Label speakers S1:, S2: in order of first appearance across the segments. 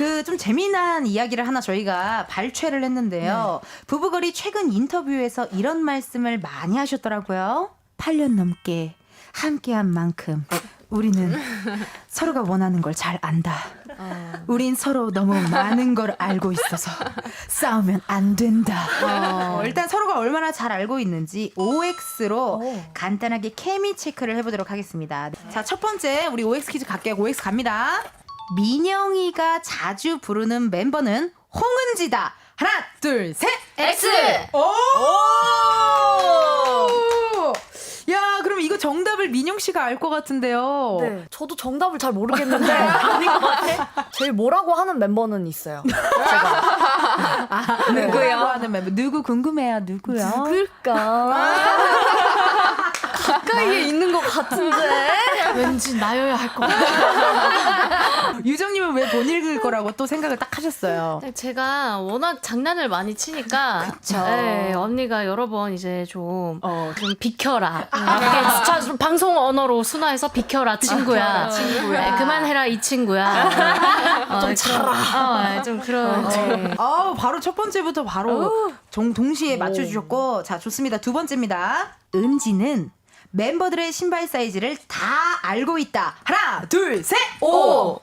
S1: 그 좀 재미난 이야기를 하나 저희가 발췌를 했는데요. 부부걸이 최근 인터뷰에서 이런 말씀을 많이 하셨더라고요. 8년 넘게 함께한 만큼 우리는 서로가 원하는 걸 잘 안다. 우린 서로 너무 많은 걸 알고 있어서 싸우면 안 된다. 일단 서로가 얼마나 잘 알고 있는지 OX로 간단하게 케미 체크를 해보도록 하겠습니다. 자, 첫 번째 우리 OX 퀴즈 갈게요. OX 갑니다. 민영이가 자주 부르는 멤버는 홍은지다. 하나, 둘, 셋.
S2: X.
S1: 오! 야, 그럼 이거 정답을 민영 씨가 알 것 같은데요.
S3: 네, 저도 정답을 잘 모르겠는데 아닌 것 같아. 제일 뭐라고 하는 멤버는 있어요. 제가.
S1: 누구요? 하는 멤버 누구 궁금해요? 누구요?
S3: 누굴까? 가까이에 있는 것 같은데
S2: 왠지 나여야 할 것 같아요.
S1: 유정님은 왜 못 읽을 거라고 또 생각을 딱 하셨어요?
S2: 제가 워낙 장난을 많이 치니까
S1: 그쵸.
S2: 네, 언니가 여러 번 이제 좀 비켜라. 자, 좀 방송 언어로 순화해서 비켜라 친구야. 네, 그만해라 이 친구야. 좀 차라. 좀 그런. 네.
S1: 바로 첫 번째부터 바로 동시에 맞춰주셨고, 자, 좋습니다. 두 번째입니다. 은지는 멤버들의 신발 사이즈를 다 알고 있다. 하나, 둘, 셋. 오.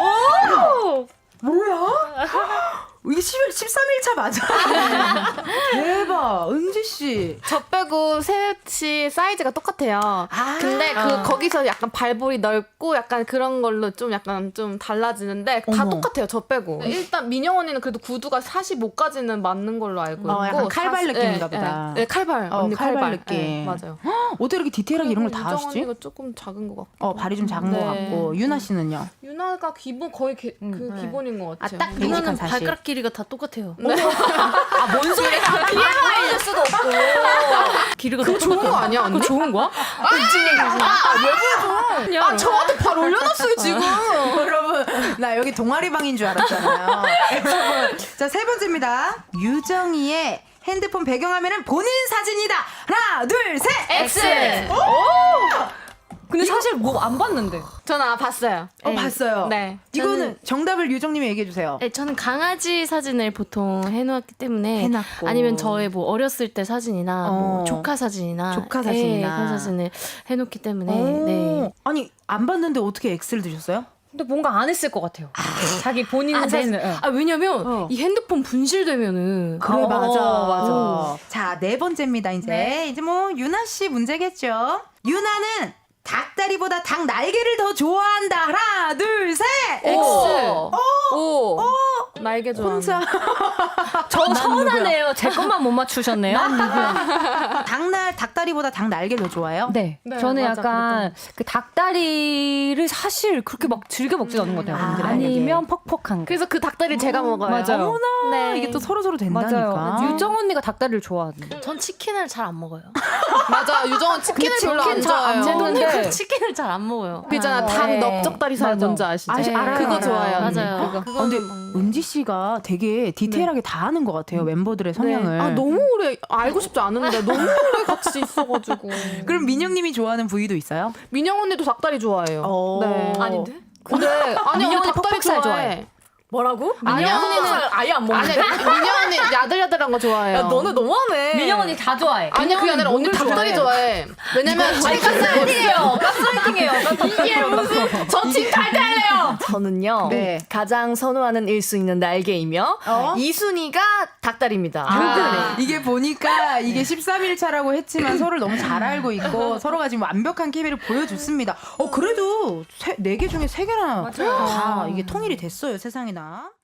S1: 뭐야? 이게 13일차 맞아? 대박. 은지씨.
S4: 저 빼고 셋이 사이즈가 똑같아요. 근데 거기서 약간 발볼이 넓고 약간 그런 걸로 좀 약간 좀 달라지는데 다 똑같아요. 저 빼고. 일단 민영 언니는 그래도 구두가 45까지는 맞는 걸로 알고 있고.
S1: 약간 칼발 느낌인가 보다.
S4: 네, 칼발. 언니
S1: 칼발 느낌.
S4: 네, 맞아요.
S1: 어떻게 이렇게 디테일하게 이런 걸 다
S4: 유정
S1: 아시지?
S4: 언니가 조금 작은 것 같고.
S1: 발이 좀 작은 것 같고. 유나 씨는요?
S4: 유나가 기본 거의 기본인 것 같아요.
S2: 딱
S1: 끔찍한
S2: 이거는
S1: 사실.
S2: 발가락 길이가 다 똑같아요.
S3: 뭔 소리야? TMI일 수도 없고.
S2: 길이가
S4: 그거 좋은 거 아니야 언니?
S2: 그거 좋은 거야?
S4: 저한테 발 올려놨어요 지금.
S1: 여러분, 나 여기 동아리방인 줄 알았잖아요. 여러분, 자, 세 번째입니다. 유정이의 핸드폰 배경화면은 본인 사진이다. 하나, 둘, 셋.
S2: X.
S3: 근데 사실 뭐 안 봤는데.
S4: 저는 봤어요.
S1: 봤어요.
S4: 네.
S1: 이거는 정답을 유정님이 얘기해 주세요.
S2: 네, 저는 강아지 사진을 보통 해놓았기 때문에
S1: 해놨고.
S2: 아니면 저의 뭐 어렸을 때 사진이나 뭐 조카 사진이나
S1: 조카 사진이나.
S2: 네, 그런 사진을 해놓기 때문에 네.
S1: 아니, 안 봤는데 어떻게 X를 드셨어요?
S3: 근데 뭔가 안 했을 것 같아요. 자기 본인 사진을.
S2: 왜냐면 이 핸드폰 분실되면은
S1: 그래,
S3: 맞아.
S1: 자, 네 번째입니다, 이제.
S3: 네.
S1: 이제 뭐, 유나 씨 문제겠죠? 유나는 닭다리보다 닭 날개를 더 좋아한다. 하나, 둘, 셋.
S4: X. 오. 날개 좋아.
S1: 혼자.
S3: 저 서운하네요. 제 것만 못 맞추셨네요.
S1: 닭다리보다 닭 날개 더 좋아해요?
S3: 네.
S4: 네,
S3: 저는
S4: 맞아,
S3: 약간 그 닭다리를 사실 그렇게 막 즐겨 먹진 않는 것 같아요. 아니면 퍽퍽한 거.
S4: 그래서 그 닭다리 제가 먹어요.
S3: 맞아요.
S1: 어머나,
S4: 네.
S1: 이게 또 서로 된다니까.
S3: 맞아요. 유정 언니가 닭다리를 좋아하는데.
S2: 전 치킨을 잘 안 먹어요.
S4: 맞아. 유정은 치킨을 별로 안 좋아해요.
S3: 제 동네
S2: 치킨을 잘 안 먹어요.
S4: 그 있잖아. 닭
S3: 네.
S4: 넓적다리살
S3: 맞아.
S4: 뭔지 아시죠?
S3: 알아요.
S4: 그거
S3: 알아요.
S4: 좋아해요. 언니.
S2: 맞아요.
S4: 그거.
S1: 근데 은지 씨가 되게 디테일하게 다 아는 것 같아요. 멤버들의 성향을.
S4: 아 너무 오래 알고 싶지 않은데 너무 오래 같이 있어가지고.
S1: 그럼 민영님이 좋아하는 부위도 있어요?
S4: 민영 언니도 닭다리 좋아해요. 네.
S2: 아닌데?
S4: 근데 아니 언니
S3: 언니
S4: 닭다리
S3: 퍽퍽살
S4: 좋아해.
S3: 뭐라고?
S4: 민영 언니는
S3: 아예 안
S4: 아니 민영 언니 야들야들한 거 좋아해요.
S3: 너무하네. 민영 언니 다 좋아해.
S4: 아니 그게 아니라 언니 닭다리 좋아해. 왜냐면 가스라이팅이에요. 가스라이팅이에요. 이게 무슨 저팀 탈퇴할래요.
S3: 저는요.
S1: 네.
S3: 가장 선호하는 1순위는 날개이며 2순위가 닭다리입니다.
S1: 이게 보니까 이게 13일차라고 했지만 서로를 너무 잘 알고 있고 서로가 지금 완벽한 케미를 보여줬습니다. 그래도 4개 중에 3개나 다 이게 통일이 됐어요, 세상에나.